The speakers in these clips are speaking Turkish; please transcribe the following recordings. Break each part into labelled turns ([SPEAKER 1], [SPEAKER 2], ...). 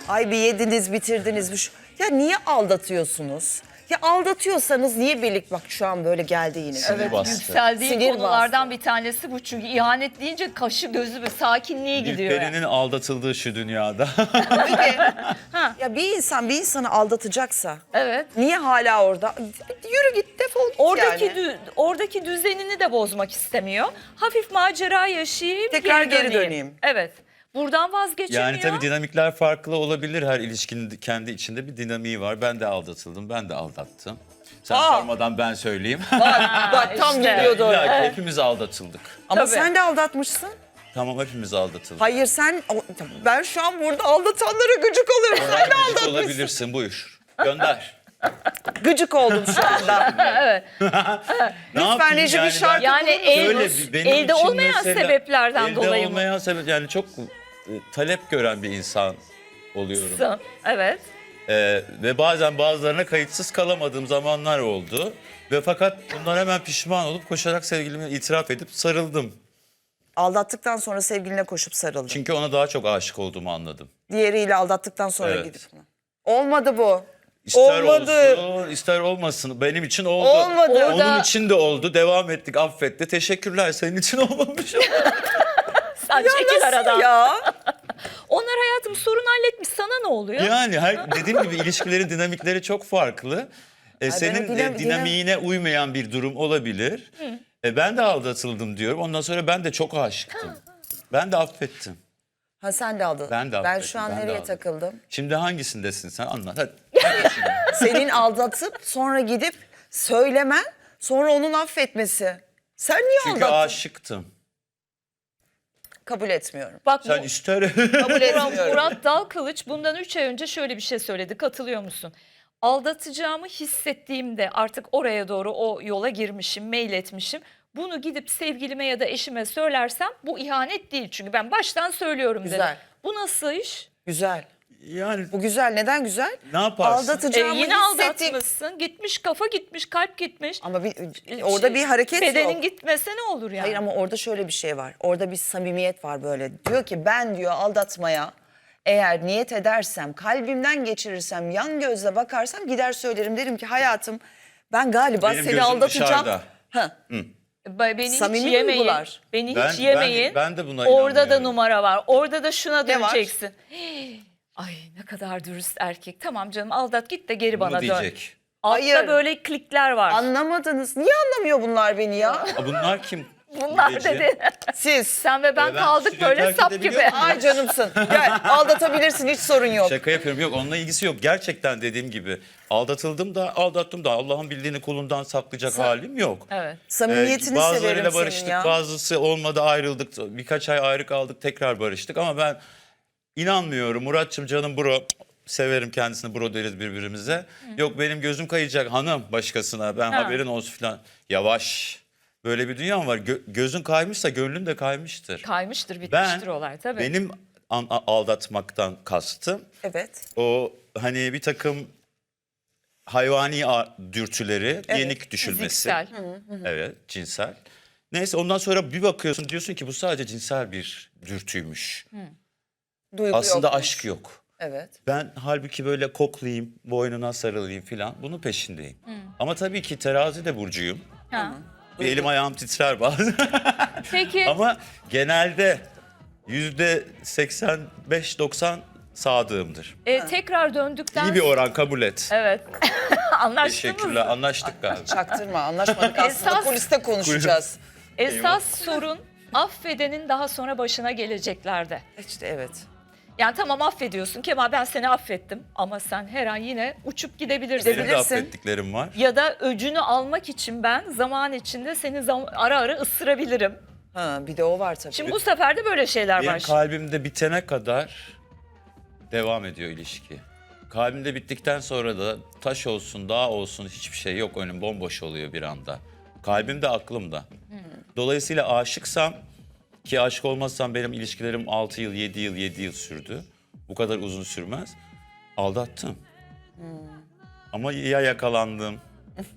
[SPEAKER 1] Ay bir yediniz bitirdiniz. Ya niye aldatıyorsunuz? Ya aldatıyorsanız niye birlik bak şu an böyle geldi yine.
[SPEAKER 2] Evet,
[SPEAKER 3] bastı.
[SPEAKER 2] yükseldiği
[SPEAKER 1] Sinir
[SPEAKER 2] konulardan bir tanesi bu. Çünkü ihanet deyince kaşı gözü ve sakinliğe gidiyor. Yani.
[SPEAKER 3] Gülperi'nin aldatıldığı şu dünyada.
[SPEAKER 1] Ya bir insanı aldatacaksa
[SPEAKER 2] Evet.
[SPEAKER 1] niye hala orada? Yürü git defol git
[SPEAKER 2] Oradaki
[SPEAKER 1] yani.
[SPEAKER 2] oradaki düzenini de bozmak istemiyor. Hafif macera yaşayayım,
[SPEAKER 1] Tekrar geri döneyim.
[SPEAKER 2] Evet. Buradan vazgeçemiyor.
[SPEAKER 3] Yani tabii dinamikler farklı olabilir. Her ilişkinin kendi içinde bir dinamiği var. Ben de aldatıldım, ben de aldattım. Sen sormadan ben söyleyeyim.
[SPEAKER 1] Bak tam
[SPEAKER 2] işte.
[SPEAKER 1] geliyordu oraya.
[SPEAKER 3] İlla ki hepimiz aldatıldık.
[SPEAKER 1] Ama
[SPEAKER 2] Tabii.
[SPEAKER 1] sen de aldatmışsın.
[SPEAKER 3] Tamam, hepimiz aldatıldık.
[SPEAKER 1] Hayır ben şu an burada aldatanlara gıcık oluyorum. Sen de
[SPEAKER 3] Gıcık
[SPEAKER 1] aldatmışsın.
[SPEAKER 3] olabilirsin, buyur. Gönder.
[SPEAKER 1] Gıcık oldum şu anda.
[SPEAKER 2] Evet.
[SPEAKER 3] Ne yapayım
[SPEAKER 1] Reji bir şarkı
[SPEAKER 2] Yani
[SPEAKER 3] Benim
[SPEAKER 2] elde
[SPEAKER 3] için
[SPEAKER 2] olmayan
[SPEAKER 3] mesela,
[SPEAKER 2] sebeplerden dolayı
[SPEAKER 3] Elde
[SPEAKER 2] mı?
[SPEAKER 3] olmayan sebep, yani çok talep gören bir insan oluyorum.
[SPEAKER 2] Evet.
[SPEAKER 3] Ve bazen bazılarına kayıtsız kalamadığım zamanlar oldu. Ve fakat bunlar hemen pişman olup koşarak sevgilime itiraf edip sarıldım.
[SPEAKER 1] Aldattıktan sonra sevgiline koşup sarıldın.
[SPEAKER 3] Çünkü ona daha çok aşık olduğumu anladım.
[SPEAKER 1] Diğeriyle aldattıktan sonra
[SPEAKER 3] Evet.
[SPEAKER 1] gidip. Olmadı bu.
[SPEAKER 3] İster
[SPEAKER 1] Olmadı.
[SPEAKER 3] olsun, ister olmasın. Benim için oldu.
[SPEAKER 1] Olmadı.
[SPEAKER 2] Orada-
[SPEAKER 3] Onun için de oldu. Devam ettik, affetti. Teşekkürler. Senin için olmamış.
[SPEAKER 2] Sen çekil aradan.
[SPEAKER 1] Ya.
[SPEAKER 2] Onlar hayatım sorun halletmiş. Sana ne oluyor?
[SPEAKER 3] Yani dediğim gibi ilişkilerin dinamikleri çok farklı. Senin dinamiğine uymayan bir durum olabilir. Ben de aldatıldım diyorum. Ondan sonra ben de çok aşıktım. Ben de affettim.
[SPEAKER 1] Ha sen de aldattın.
[SPEAKER 3] Ben de
[SPEAKER 1] Ben
[SPEAKER 3] affettim,
[SPEAKER 1] şu an
[SPEAKER 3] ben de
[SPEAKER 1] nereye
[SPEAKER 3] aldattım.
[SPEAKER 1] takıldım?
[SPEAKER 3] Şimdi hangisindesin sen? Anlat hadi.
[SPEAKER 1] Senin aldatıp sonra gidip söylemen, sonra onun affetmesi. Sen niye
[SPEAKER 3] Çünkü
[SPEAKER 1] aldattın?
[SPEAKER 3] aşıktım.
[SPEAKER 1] Kabul etmiyorum.
[SPEAKER 2] Bak
[SPEAKER 3] Sen ister...
[SPEAKER 1] Kabul etmiyorum.
[SPEAKER 2] Murat Dalkılıç bundan 3 ay önce şöyle bir şey söyledi. Katılıyor musun? Aldatacağımı hissettiğimde artık oraya doğru o yola girmişim, mail etmişim. Bunu gidip sevgilime ya da eşime söylersem bu ihanet değil. Çünkü ben baştan söylüyorum
[SPEAKER 1] Güzel.
[SPEAKER 2] dedim. Bu nasıl iş?
[SPEAKER 1] Güzel.
[SPEAKER 3] Yani
[SPEAKER 1] Bu güzel. Neden güzel?
[SPEAKER 3] ne yaparsın?
[SPEAKER 1] Aldatacağımı
[SPEAKER 2] Yine
[SPEAKER 1] hissettiğim...
[SPEAKER 2] aldatmışsın. Gitmiş kafa gitmiş, kalp gitmiş.
[SPEAKER 1] Ama orada bir hareket
[SPEAKER 2] Bedenin
[SPEAKER 1] yok.
[SPEAKER 2] gitmese ne olur yani?
[SPEAKER 1] Hayır ama orada şöyle bir şey var. Orada bir samimiyet var böyle. Diyor ki ben diyor aldatmaya eğer niyet edersem, kalbimden geçirirsem, yan gözle bakarsam gider söylerim. Derim ki hayatım ben galiba
[SPEAKER 3] Benim
[SPEAKER 1] seni
[SPEAKER 3] gözüm
[SPEAKER 1] aldatacağım.
[SPEAKER 3] dışarıda.
[SPEAKER 1] Ha.
[SPEAKER 2] Beni
[SPEAKER 1] Samimi
[SPEAKER 2] hiç yemeyin.
[SPEAKER 1] duygular.
[SPEAKER 2] Beni
[SPEAKER 3] Ben-
[SPEAKER 2] hiç yemeyin.
[SPEAKER 3] ben de buna
[SPEAKER 2] Orada da
[SPEAKER 3] inanmıyorum.
[SPEAKER 2] numara var. Orada da şuna
[SPEAKER 1] Ne var?
[SPEAKER 2] döneceksin. Ay ne kadar dürüst erkek. Tamam canım aldat git de geri bana dön.
[SPEAKER 3] diyecek.
[SPEAKER 2] Altta
[SPEAKER 1] Hayır.
[SPEAKER 2] böyle klikler var.
[SPEAKER 1] Anlamadınız. Niye anlamıyor bunlar beni ya?
[SPEAKER 3] Bunlar kim?
[SPEAKER 2] Bunlar
[SPEAKER 3] Gece.
[SPEAKER 2] dedi.
[SPEAKER 1] Siz.
[SPEAKER 2] Sen ve ben
[SPEAKER 3] Ben
[SPEAKER 2] kaldık
[SPEAKER 3] stüdyoyu
[SPEAKER 2] böyle
[SPEAKER 3] terk
[SPEAKER 2] sap
[SPEAKER 3] edebiliyor
[SPEAKER 2] gibi.
[SPEAKER 3] muyum?
[SPEAKER 1] Ay canımsın. Gel aldatabilirsin hiç sorun yok.
[SPEAKER 3] Şaka yapıyorum. Yok, onunla ilgisi yok. Gerçekten dediğim gibi aldatıldım da aldattım da Allah'ın bildiğini kulundan saklayacak halim yok.
[SPEAKER 2] Evet.
[SPEAKER 1] Samimiyetini severim
[SPEAKER 3] Bazılarıyla
[SPEAKER 1] senin
[SPEAKER 3] barıştık,
[SPEAKER 1] ya.
[SPEAKER 3] bazısı olmadı, ayrıldık. Birkaç ay ayrı kaldık, tekrar barıştık ama ben inanmıyorum. Muratçım canım bro, severim kendisini, bro deriz birbirimize. Yok benim gözüm kayacak hanım başkasına, ben haberin olsun falan. Yavaş. Böyle bir dünya var. Gözün kaymışsa gönlün de kaymıştır.
[SPEAKER 2] Kaymıştır bitmiştir
[SPEAKER 3] Ben,
[SPEAKER 2] olay tabii.
[SPEAKER 3] benim aldatmaktan kastım
[SPEAKER 1] Evet.
[SPEAKER 3] o hani bir takım hayvani dürtüleri yenik düşülmesi.
[SPEAKER 2] Fiziksel.
[SPEAKER 3] Evet, cinsel. Neyse ondan sonra bir bakıyorsun diyorsun ki bu sadece cinsel bir dürtüymüş.
[SPEAKER 1] Duygu
[SPEAKER 3] Aslında
[SPEAKER 1] yokmuş.
[SPEAKER 3] aşk yok.
[SPEAKER 1] Evet.
[SPEAKER 3] Ben halbuki böyle koklayayım, boynuna sarılayım falan bunun peşindeyim. Ama tabii ki terazi de burcuyum.
[SPEAKER 2] Ha.
[SPEAKER 3] Bir elim ayağım titrer bazen.
[SPEAKER 2] Peki
[SPEAKER 3] Ama genelde %85-90 sadığımdır.
[SPEAKER 2] tekrar döndükten
[SPEAKER 3] İyi bir oran, kabul et.
[SPEAKER 2] Evet. Anlaştınız
[SPEAKER 3] Teşekkürler,
[SPEAKER 2] mı?
[SPEAKER 3] anlaştık galiba.
[SPEAKER 1] Çaktırma anlaşmadık aslında
[SPEAKER 2] Esas-
[SPEAKER 1] kuliste konuşacağız.
[SPEAKER 2] Esas sorun affedenin daha sonra başına geleceklerde.
[SPEAKER 1] İşte evet.
[SPEAKER 2] Yani tamam affediyorsun Kemal ben seni affettim ama sen her an yine uçup gidebilirsin.
[SPEAKER 3] Benim de
[SPEAKER 1] Gidebilirsin.
[SPEAKER 3] affettiklerim var.
[SPEAKER 2] Ya da öcünü almak için ben zaman içinde seni ara ara ısırabilirim.
[SPEAKER 1] Ha bir de o var tabii.
[SPEAKER 2] Şimdi bu sefer de böyle şeyler
[SPEAKER 3] Benim
[SPEAKER 2] var.
[SPEAKER 3] kalbimde bitene kadar devam ediyor ilişki. Kalbimde bittikten sonra da taş olsun, dağ olsun hiçbir şey yok. Önüm bomboş oluyor bir anda. Kalbimde, aklımda. Dolayısıyla aşıksam, ki aşık olmazsam benim ilişkilerim 6 yıl, 7 yıl, 7 yıl sürdü. Bu kadar uzun sürmez. Aldattım. Ama ya yakalandım.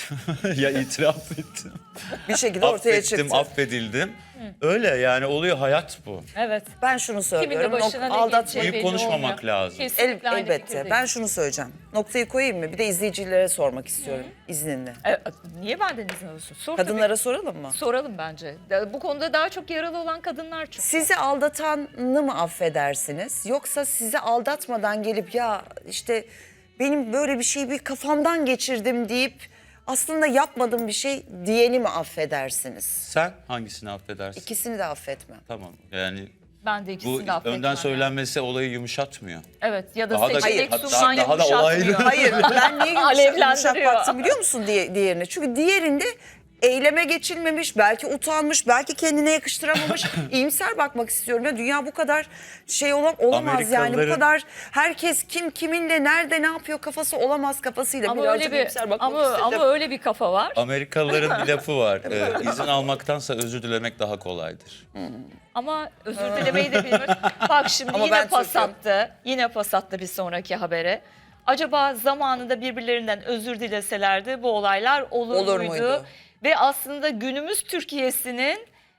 [SPEAKER 3] Ya itiraf ettim.
[SPEAKER 1] Bir şekilde ortaya çıktı.
[SPEAKER 3] Affettim, affedildim. Öyle yani oluyor, hayat bu.
[SPEAKER 2] Evet.
[SPEAKER 1] Ben şunu
[SPEAKER 2] Kimin de
[SPEAKER 1] söylüyorum.
[SPEAKER 2] başına ne
[SPEAKER 1] Aldatma
[SPEAKER 2] geleceği
[SPEAKER 3] Büyük
[SPEAKER 2] belli
[SPEAKER 3] konuşmamak
[SPEAKER 2] olmuyor.
[SPEAKER 3] lazım.
[SPEAKER 2] Kesinlikle aynı
[SPEAKER 1] elbette.
[SPEAKER 2] fikirdeyim.
[SPEAKER 1] Ben şunu söyleyeceğim. Noktayı koyayım mı? Bir de izleyicilere sormak istiyorum izninle.
[SPEAKER 2] Niye benden izin alıyorsun? Sor tabii.
[SPEAKER 1] Kadınlara soralım mı?
[SPEAKER 2] Soralım bence. Bu konuda daha çok yaralı olan kadınlar çünkü.
[SPEAKER 1] Sizi aldatanı mı affedersiniz? Yoksa sizi aldatmadan gelip ya işte benim böyle bir şeyi bir kafamdan geçirdim deyip aslında yapmadığım bir şey diyeni mi affedersiniz?
[SPEAKER 3] Sen hangisini affedersin?
[SPEAKER 1] İkisini de affetmem.
[SPEAKER 3] Tamam yani
[SPEAKER 2] Ben de
[SPEAKER 3] bu
[SPEAKER 2] ikisini de affetmem.
[SPEAKER 3] önden
[SPEAKER 2] yani.
[SPEAKER 3] söylenmesi olayı yumuşatmıyor.
[SPEAKER 2] Evet ya da
[SPEAKER 3] Daha da-
[SPEAKER 2] seçenek
[SPEAKER 3] hatta
[SPEAKER 2] sunman
[SPEAKER 3] daha da olaylı.
[SPEAKER 2] yumuşatmıyor.
[SPEAKER 1] Hayır ben niye yumuşak
[SPEAKER 2] Alevlendiriyor.
[SPEAKER 1] baktım biliyor musun diğerine? Çünkü diğerinde eyleme geçilmemiş, belki utanmış, belki kendine yakıştıramamış. İyimser bakmak istiyorum. Ya dünya bu kadar şey olamaz yani. Bu
[SPEAKER 3] Amerikalıların-
[SPEAKER 1] kadar herkes kim kiminle nerede ne yapıyor kafası olamaz kafasıyla.
[SPEAKER 2] Ama
[SPEAKER 1] Birazcık
[SPEAKER 2] öyle bir
[SPEAKER 1] iyimser bakmak istedim.
[SPEAKER 2] ama öyle bir kafa var.
[SPEAKER 3] Amerikalıların bir lafı var. İzin almaktansa özür dilemek daha kolaydır.
[SPEAKER 2] Ama özür dilemeyi de bilmiyor. Bak şimdi
[SPEAKER 1] Ama
[SPEAKER 2] yine
[SPEAKER 1] ben
[SPEAKER 2] pas
[SPEAKER 1] Türk'üm.
[SPEAKER 2] attı. Yine pas attı bir sonraki habere. Acaba zamanında birbirlerinden özür dileselerdi bu olaylar olur muydu? Ve aslında günümüz Türkiye'sinin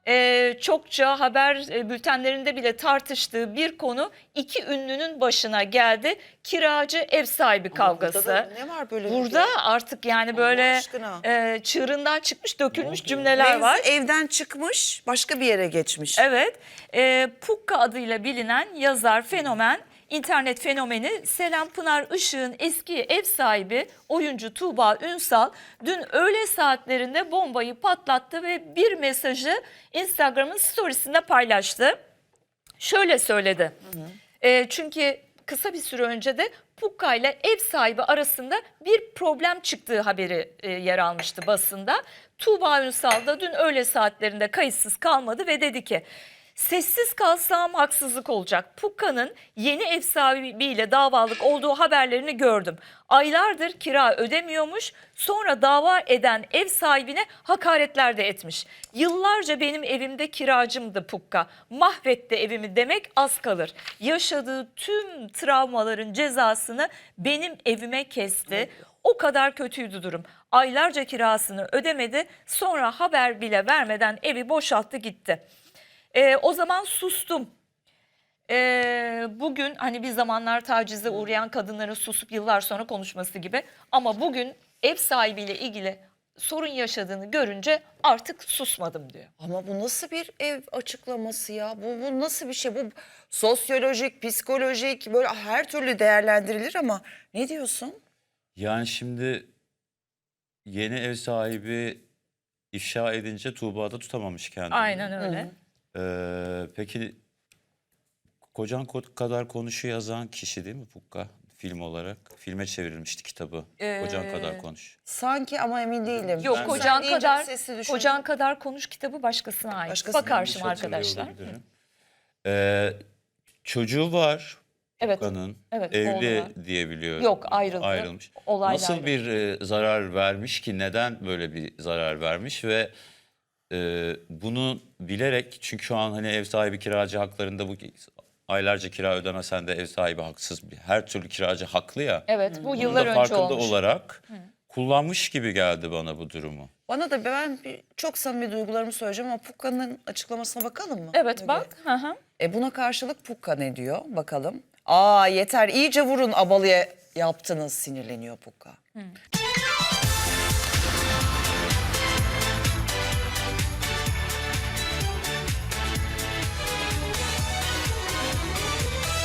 [SPEAKER 2] çokça haber bültenlerinde bile tartıştığı bir konu iki ünlünün başına geldi. Kiracı ev sahibi kavgası.
[SPEAKER 1] Burada da ne var böyle?
[SPEAKER 2] Burada artık yani
[SPEAKER 1] Allah
[SPEAKER 2] böyle
[SPEAKER 1] aşkına.
[SPEAKER 2] çığırından çıkmış dökülmüş cümleler var.
[SPEAKER 1] Evden çıkmış başka bir yere geçmiş.
[SPEAKER 2] Evet, Pukka adıyla bilinen yazar fenomen, internet fenomeni Selen Pınar Işık'ın eski ev sahibi oyuncu Tuğba Ünsal dün öğle saatlerinde bombayı patlattı ve bir mesajı Instagram'ın storiesinde paylaştı. Şöyle söyledi. Çünkü kısa bir süre önce de Pukka ile ev sahibi arasında bir problem çıktığı haberi yer almıştı basında. Tuğba Ünsal da dün öğle saatlerinde kayıtsız kalmadı ve dedi ki sessiz kalsam haksızlık olacak. Pukka'nın yeni ev sahibiyle davalık olduğu haberlerini gördüm. Aylardır kira ödemiyormuş. Sonra dava eden ev sahibine hakaretler de etmiş. Yıllarca benim evimde kiracımdı Pukka. Mahvetti evimi demek az kalır. Yaşadığı tüm travmaların cezasını benim evime kesti. O kadar kötüydü durum. Aylarca kirasını ödemedi. Sonra haber bile vermeden evi boşalttı gitti. O zaman sustum. Bugün hani bir zamanlar tacize uğrayan kadınların susup yıllar sonra konuşması gibi. Ama bugün ev sahibiyle ilgili sorun yaşadığını görünce artık susmadım diyor.
[SPEAKER 1] Ama bu nasıl bir ev açıklaması ya? Bu nasıl bir şey? Bu sosyolojik, psikolojik böyle her türlü değerlendirilir ama ne diyorsun?
[SPEAKER 3] Yani şimdi yeni ev sahibi ifşa edince Tuğba da tutamamış kendini.
[SPEAKER 2] Aynen öyle.
[SPEAKER 3] Peki Kocan Kadar Konuş'u yazan kişi değil mi Pukka? Film olarak. Filme çevrilmişti kitabı. Kocan Kadar Konuş.
[SPEAKER 1] Sanki ama emin değilim.
[SPEAKER 2] Yok
[SPEAKER 3] Ben-
[SPEAKER 2] kocan
[SPEAKER 1] Sen deyince
[SPEAKER 2] kadar
[SPEAKER 1] sesi düşündüm.
[SPEAKER 2] kocan kadar konuş kitabı başkasına ait.
[SPEAKER 1] Başkasına
[SPEAKER 2] Bakar
[SPEAKER 3] Yanlış
[SPEAKER 2] şimdi
[SPEAKER 3] hatırlıyor
[SPEAKER 2] arkadaşlar.
[SPEAKER 3] olabilirim. Çocuğu var
[SPEAKER 2] Evet.
[SPEAKER 3] Pukka'nın.
[SPEAKER 2] Evet,
[SPEAKER 3] Evli
[SPEAKER 2] oğlu var.
[SPEAKER 3] diye biliyorum.
[SPEAKER 2] Yok, ayrıldı.
[SPEAKER 3] Ayrılmış.
[SPEAKER 2] Olayla
[SPEAKER 3] Nasıl
[SPEAKER 2] ayrıldı.
[SPEAKER 3] bir zarar vermiş ki? Neden böyle bir zarar vermiş ve bunu bilerek, çünkü şu an hani ev sahibi kiracı haklarında bu aylarca kira ödemesen de ev sahibi haksız. Her türlü kiracı haklı ya.
[SPEAKER 2] Evet bu
[SPEAKER 3] Bunun
[SPEAKER 2] yıllar
[SPEAKER 3] da
[SPEAKER 2] önce
[SPEAKER 3] farkında
[SPEAKER 2] olmuş.
[SPEAKER 3] olarak kullanmış gibi geldi bana bu durumu.
[SPEAKER 1] Bana da çok samimi duygularımı söyleyeceğim ama Pukka'nın açıklamasına bakalım mı?
[SPEAKER 2] Evet
[SPEAKER 1] Müge?
[SPEAKER 2] bak. Hı hı.
[SPEAKER 1] Buna karşılık Pukka ne diyor? Bakalım. Yeter iyice vurun abalıya yaptınız sinirleniyor Pukka.